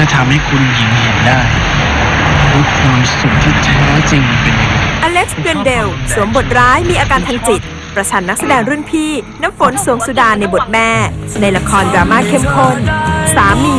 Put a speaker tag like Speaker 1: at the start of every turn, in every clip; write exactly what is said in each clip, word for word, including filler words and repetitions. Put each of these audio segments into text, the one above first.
Speaker 1: จะทำให้คุณหญิงเห็นได้ว่าความสุขที่แท้จริงเป็นยังไง
Speaker 2: อเล็กซ์ เกรนเดลสวมบทร้ายมีอาการทางจิตประชันนักแสดงรุ่นพี่น้ำฝน สวงสุดาในบทแม่ในละครดราม่าเข้มข้นสามี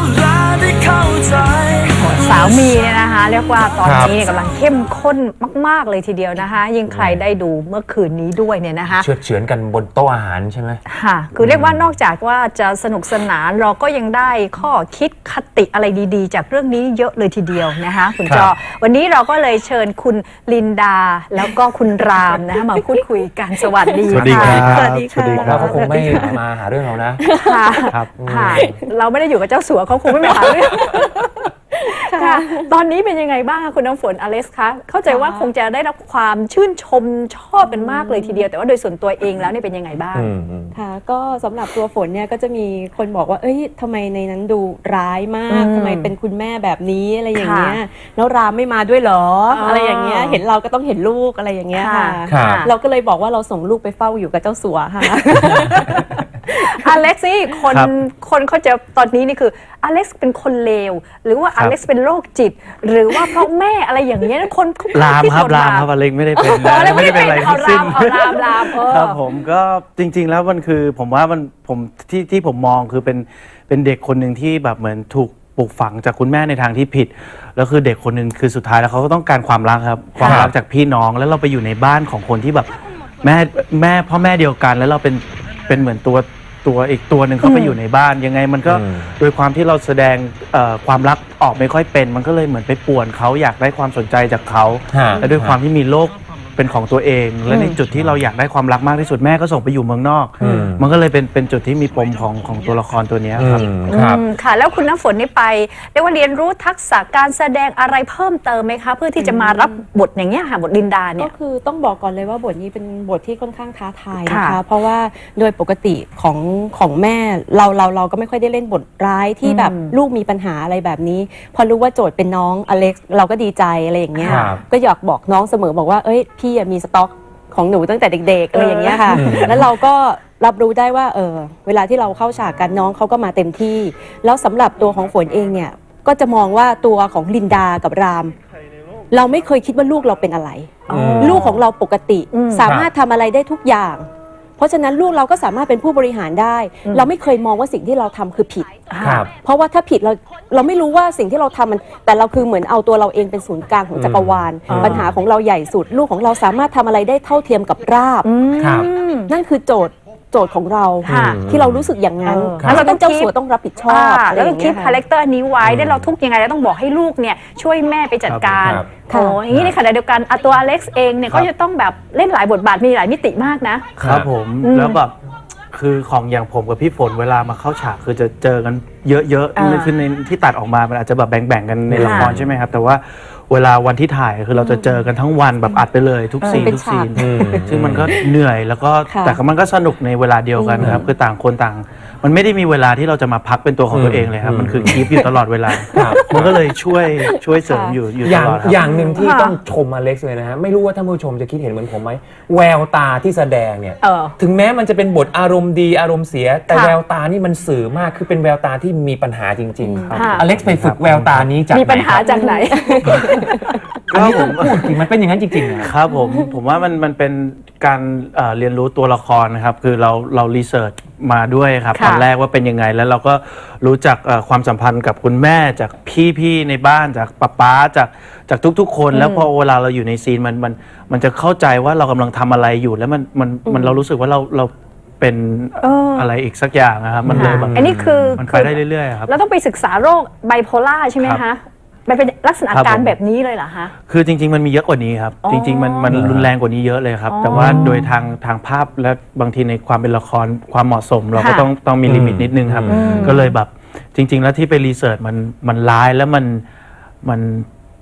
Speaker 3: สาวมีเนี่ยนะคะเรียกว่าตอนนี้กำลังเข้มข้นมากๆเลยทีเดียวนะคะยิ่งใครได้ดูเมื่อคืนนี้ด้วยเนี่ยนะคะ
Speaker 4: เฉือดเฉือนกันบนโต๊ะอาหารใช่ไหม
Speaker 3: ค่ะคือเรียกว่านอกจากว่าจะสนุกสนานเราก็ยังได้ข้อคิดคติอะไรดีๆจากเรื่องนี้เยอะเลยทีเดียวนะคะคุณจอวันนี้เราก็เลยเชิญคุณลินดาแล้วก็คุณรามนะคะมาพูดคุยกันสวัสดี
Speaker 4: สวัสดีครับ
Speaker 3: สวัสดีค่ะ
Speaker 4: เราก็คงไม่มาหาเรื่องเรานะ
Speaker 3: ค่ะค่ะเราไม่ได้อยู่กับเจ้าสัวเขาคงไม่มาหาเรื่องค่ะตอนนี้เป็นยังไงบ้างคุณน้ำฝนอเล็กซ์คะเข้าใจว่าคงจะได้รับความชื่นชมชอบกันมากเลยทีเดียวแต่ว่าโดยส่วนตัวเองแล้วเนี่ยเป็นยังไงบ้าง
Speaker 5: ค่ะก็สำหรับตัวฝนเนี่ยก็จะมีคนบอกว่าเอ้ยทำไมในนั้นดูร้ายมากทำไมเป็นคุณแม่แบบนี้อะไรอย่างเงี้ยแล้วรามไม่มาด้วยเหรออะไรอย่างเงี้ยเห็นเราก็ต้องเห็นลูกอะไรอย่างเงี้ยค่ะเราก็เลยบอกว่าเราส่งลูกไปเฝ้าอยู่กับเจ้าสัวค่ะ
Speaker 3: อเล็กซ์นี่คนคนเขาจะตอนนี้นี่คืออเล็กซ์เป็นคนเลวหรือว่าอเล็กซ์เป็นโรคจิตหรือว่าเพราะแม่อะไรอย่างเงี้ยคน
Speaker 6: ลามครับลามครับอเล็กซ์ไม่ได้เป็น
Speaker 3: ไม่ได้เป็นอะไรทั้งสิ้นลามลาม
Speaker 6: ครับผมก็จริงๆแล้วมันคือผมว่ามันผมที่ที่ผมมองคือเป็นเป็นเด็กคนหนึ่งที่แบบเหมือนถูกปลูกฝังจากคุณแม่ในทางที่ผิดแล้วคือเด็กคนหนึ่งคือสุดท้ายแล้วเขาก็ต้องการความรักครับความรักจากพี่น้องแล้วเราไปอยู่ในบ้านของคนที่แบบแม่แม่พ่อแม่เดียวกันแล้วเราเป็นเป็นเหมือนตัวตัวอีกตัวหนึ่งเขาไปอยู่ในบ้านยังไงมันก็โดยความที่เราแสดงความรักออกไม่ค่อยเป็นมันก็เลยเหมือนไปป่วนเขาอยากได้ความสนใจจากเขาและด้วยความที่มีโลกเป็นของตัวเองและในจุดที่เราอยากได้ความรักมากที่สุดแม่ก็ส่งไปอยู่เมืองนอกมันก็เลยเป็นเป็นจุดที่มีปมของของตัวละครตัวนี้ครับ
Speaker 3: ค่ะแล้วคุณน้ำฝนนี่ไปเรียกว่าเรียนรู้ทักษะการแสดงอะไรเพิ่มเติมไหมคะเพื่อที่จะมารับบทอย่างเงี้ยค่ะบทลินดาเนี่ย
Speaker 5: ก็คือต้องบอกก่อนเลยว่าบทนี้เป็นบทที่ค่อนข้างท้าทายนะคะเพราะว่าโดยปกติของของแม่เราเราเราก็ไม่ค่อยได้เล่นบทร้ายที่แบบลูกมีปัญหาอะไรแบบนี้พอรู้ว่าโจทย์เป็นน้องอเล็กซ์เราก็ดีใจอะไรอย่างเงี้ยก็อยากบอกน้องเสมอบอกว่าเอ้ยพี่มีสต็อกของหนูตั้งแต่เด็กๆอะไรอย่างเงี้ยค่ะแล้วเราก็รับรู้ได้ว่าเออเวลาที่เราเข้าฉากกันน้องเขาก็มาเต็มที่แล้วสำหรับตัวของฝนเองเนี่ยก็จะมองว่าตัวของลินดากับรามเราไม่เคยคิดว่าลูกเราเป็นอะไรลูกของเราปกติสามารถทำอะไรได้ทุกอย่างเพราะฉะนั้นลูกเราก็สามารถเป็นผู้บริหารได้เราไม่เคยมองว่าสิ่งที่เราทำคือผิดเพราะว่าถ้าผิดเราเราไม่รู้ว่าสิ่งที่เราทำมันแต่เราคือเหมือนเอาตัวเราเองเป็นศูนย์กลางของจักรวาลปัญหาของเราใหญ่สุดลูกของเราสามารถทำอะไรได้เท่าเทียมกับราบนั่นคือโจทย์โจทย์ของเราที่เรารู้สึกอย่างนั้นแล้วเราต้องเจ้าสัวต้องรับผิดชอบ
Speaker 3: แล้วต้องคิดคาแรคเตอร์นี้ไว้ได้เราทุกยังไงแล้วต้องบอกให้ลูกเนี่ยช่วยแม่ไปจัดการโอ้อย่างนี้ในขณะเดียวกันตัวอเล็กซ์เองเนี่ยก็จะต้องแบบเล่นหลายบทบาทมีหลายมิติมากนะครับ
Speaker 6: ผมแล้วแบบคือของอย่างผมกับพี่ฝนเวลามาเข้าฉากคือจะเจอกันเยอะๆคือในที่ตัดออกมามันอาจจะแบบแบ่งๆกันในละครใช่ไหมครับแต่ว่าเวลาวันที่ถ่ายคือเราจะเจอกันทั้งวันแบบอัดไปเลยทุกซีนทุกซีนซึ่งมันก็เหนื่อยแล้วก็แต่มันก็สนุกในเวลาเดียวกันครับคือต่างคนต่างมันไม่ได้มีเวลาที่เราจะมาพักเป็นตัวของตัวเองเลยครับมันคือคีปอยู่ตลอดเวลามันก็เลยช่วยช่วยเสริมอยู่อยู่ตลอด
Speaker 4: อย่างหนึ่งที่ต้องชมอเล็กซ์เลยนะฮะไม่รู้ว่าท่านผู้ชมจะคิดเห็นเหมือนผมไหมแววตาที่แสดงเนี่ยถึงแม้มันจะเป็นบทอารมณ์ดีอารมณ์เสียแต่แววตานี่มันสื่อมากคือเป็นแววตาที่มีปัญหาจริงๆอเล็กซ์ไปฝึกแววตานี้จาก
Speaker 3: มีปัญหาจากไหน
Speaker 4: อันนี้ต้องพูดจริงมันเป็นอย่างนั้นจริงๆ
Speaker 6: นะครับผมผมว่ามันมันเป็นการเรียนรู้ตัวละครนะครับคือเราเรารีเสิร์ชมาด้วยครับตอนแรกว่าเป็นยังไงแล้วเราก็รู้จักความสัมพันธ์กับคุณแม่จากพี่ๆในบ้านจากป๊าป๊าจากจากทุกๆคนแล้วพอเวลาเราอยู่ในซีนมันมันมันจะเข้าใจว่าเรากำลังทำอะไรอยู่แล้วมันมันมันเรารู้สึกว่าเราเราเป็นอะไรอีกสักอย่างนะครับมันเลยแบบ
Speaker 3: อันนี้คือ
Speaker 6: มันไปได้เรื่อยๆครับ
Speaker 3: เราต้องไปศึกษาโรคไบโพล่าใช่ไหมคะมันเป็นลักษณะการแบบนี้เลยเหรอคะ
Speaker 6: คือจริงๆมันมีเยอะกว่านี้ครับจริงๆมันมันรุนแรงกว่านี้เยอะเลยครับแต่ว่าโดยทางทางภาพและบางทีในความเป็นละครความเหมาะสมเราก็ต้องต้องมีลิมิตนิดนึงครับก็เลยแบบจริงๆแล้วที่ไปรีเสิร์ชมันมันร้ายแล้วมันมัน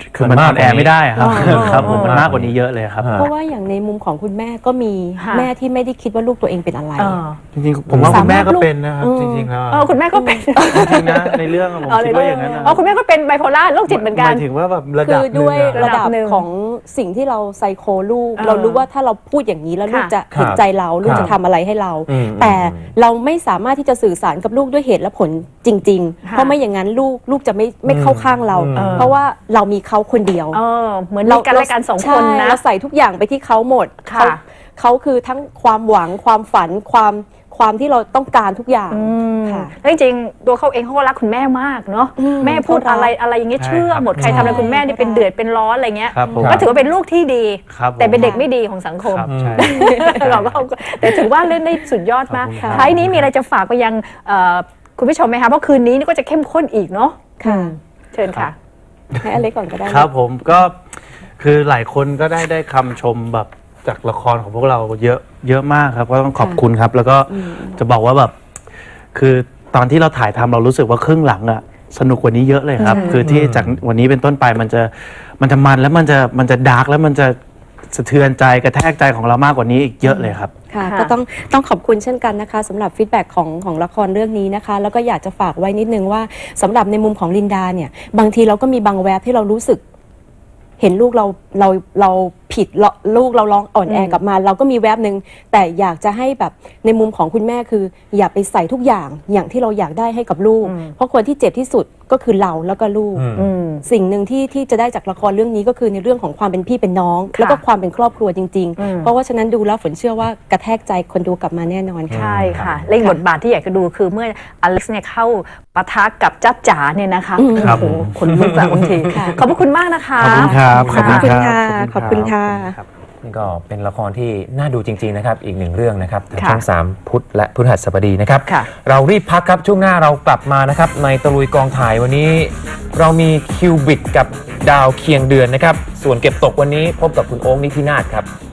Speaker 6: คือมัน
Speaker 4: มัน
Speaker 6: อ
Speaker 4: มาก
Speaker 6: อนแอร์ไม่ได้ครับ
Speaker 3: อ๋อ
Speaker 6: ครับผมมันมากกว่านี้เยอะเลยครับ
Speaker 4: อ่า
Speaker 5: เพราะว่าอย่างในมุมของคุณแม่ก็มี
Speaker 3: ค่ะ
Speaker 5: แม่ที่ไม่ได้คิดว่าลูกตัวเองเป็นอะไร
Speaker 3: เออ
Speaker 6: จริงๆผมว่าคุณแม่ก็เป็นนะครับจริงๆแล้ว
Speaker 3: เออคุณแม่ก็เป็น
Speaker 6: จริงๆนะในเรื่องอะผมคิดว่าอย่างนั้นนะ
Speaker 3: อ๋อคุณแม่ก็เป็นไบโพล่าโรคจิตเหมือนกัน
Speaker 6: หมายถึงว่าแบบระ
Speaker 5: คื
Speaker 6: ดับ
Speaker 5: อ
Speaker 6: หนึ่
Speaker 5: ด้
Speaker 6: ง
Speaker 5: วย
Speaker 6: อะ
Speaker 5: ระดับ
Speaker 3: ระดับหนึ่ง
Speaker 5: ของสิ่งที่เราไซโคลูก
Speaker 3: เออ
Speaker 5: เรารู้ว่าถ้าเราพูดอย่างนี้แล้วลูก
Speaker 3: ค่ะ
Speaker 5: จะเห็นใจเราลูก
Speaker 4: ครับ
Speaker 5: จะทำอะไรให้เรา
Speaker 4: อืม
Speaker 5: แต่เราไม่สามารถที่จะสื่อสารกับลูกด้วยเหตุและผลจริง ๆ
Speaker 3: ค่ะ
Speaker 5: เพราะไม่อย่างนั้นลูกลูกจะไม่ไม่เข้าข้างเรา
Speaker 4: อืม
Speaker 5: เพราะว่าเรามีเขาคนเดียว
Speaker 3: เออเหมือนมีกันและกันสองคน
Speaker 5: ใช่
Speaker 3: นะ
Speaker 5: เราใส่ทุกอย่างไปที่เขาหมด
Speaker 3: ค่ะ
Speaker 5: เขาเขาคือทั้งความหวังความฝันความความที่เราต้องการทุกอย่าง
Speaker 3: อืม
Speaker 5: ค่ะ
Speaker 3: แล้วจริงๆตัวเขาเองเขาก็รักคุณแม่มากเนาะ
Speaker 5: อืม
Speaker 3: แม่พูด
Speaker 5: เขารัก
Speaker 3: อะไรอะไรอย่างเงี้ย
Speaker 6: ใช่
Speaker 3: เชื่อหมด
Speaker 6: ครับ
Speaker 3: ใครทำอะไรคุณแม่นี่
Speaker 5: ใช่
Speaker 3: เป็นเดือดเป็นร้อนอะไรเงี้ย
Speaker 6: ครับผม
Speaker 3: ก็ถือว่าเป็นลูกที่ดี
Speaker 6: ครับผม
Speaker 3: แต่เป็นเด็กไม่ดีของสังคม
Speaker 6: ครับใช่
Speaker 3: เราก็แต่ถือว่าเล่นได้สุดยอดมาก
Speaker 6: ขอบคุณครับ
Speaker 3: ท้ายนี้มีอะไรจะฝากไปยังเอ่อคุณผู้ชมไหมคะเพราะคืนนี้นี่ก็จะเข้มข้นอีกเนาะ
Speaker 5: ค่ะ
Speaker 3: เชิญค่ะ
Speaker 5: ให้อเล็กก่อนก็ได้
Speaker 6: ครับผมก็คือหลายคนก็ได้ได้คำชมแบบจากละครของพวกเราเยอะเยอะมากครับก็ต้องขอบคุณครับ แล้วก็จะบอกว่าแบบคือตอนที่เราถ่ายทำเรารู้สึกว่าครึ่งหลังอะสนุกกว่านี้เยอะเลยครับ คือที่จากวันนี้เป็นต้นไปมันจะมันจะมันแล้วมันจะมันจะดาร์กแล้วมันจะสะเทือนใจกระแทกใจของเรามากกว่านี้อีกเยอะเลยครับ
Speaker 5: ค่ะ
Speaker 3: ค่ะ
Speaker 5: ก็ต้องต้องขอบคุณเช่นกันนะคะสำหรับฟีดแบ็กของของละครเรื่องนี้นะคะ แล้วก็อยากจะฝากไว้นิดนึงว่าสำหรับในมุมของลินดาเนี่ยบางทีเราก็มีบางแวบที่เรารู้สึก เห็นลูกเราเราเราผิดเราลูกเราร้องอ่อนแอกลับมา เราก็มีแวบหนึ่งแต่อยากจะให้แบบในมุมของคุณแม่คือ อย่าไปใส่ทุกอย่างอย่างที่เราอยากได้ให้กับลูก เพราะคนที่เจ็บที่สุดก็คือเราแล้วก็ลูก
Speaker 4: อืม
Speaker 3: อืม
Speaker 5: สิ่งหนึ่งที่ที่จะได้จากละครเรื่องนี้ก็คือในเรื่องของความเป็นพี่เป็นน้อง แล้วก็ความเป็นครอบครัวจริง
Speaker 3: อืม
Speaker 5: ๆ เพราะว่าฉะนั้นดูแล้วฝนเชื่อว่ากระแทกใจคนดูกลับมาแน่นอนค่ะ
Speaker 3: ใช่ค่ะเล่นบทบาทที่อยากจะดูคือเมื่ออเล็กซ์เนี่ยเข้าปะทะกับจ้าจ๋าเนี่ยนะคะ
Speaker 5: อืม
Speaker 6: ครับ
Speaker 3: โอ้โหขนลุกอะบางที
Speaker 5: ค่ะ
Speaker 3: ขอบพระคุณมากนะคะ
Speaker 6: ขอบคุณครับ
Speaker 5: ขอบคุณค่ะ
Speaker 6: รับ
Speaker 5: ขอบคุณค่ะ
Speaker 6: รับ
Speaker 4: นี่ก็เป็นละครที่น่าดูจริงๆนะครับอีกหนึ่งเรื่องนะครับทาง
Speaker 3: ค่ะ
Speaker 4: ช่องสามพุธและพฤหัสบดีนะครับ
Speaker 3: ค่ะ
Speaker 4: เรารีบพักครับช่วงหน้าเรากลับมานะครับในตะลุยกองถ่ายวันนี้ เรามีคิวบิดกับดาวเคียงเดือนนะครับส่วนเก็บตกวันนี้พบกับคุณโอ๊คนิธินาถครับ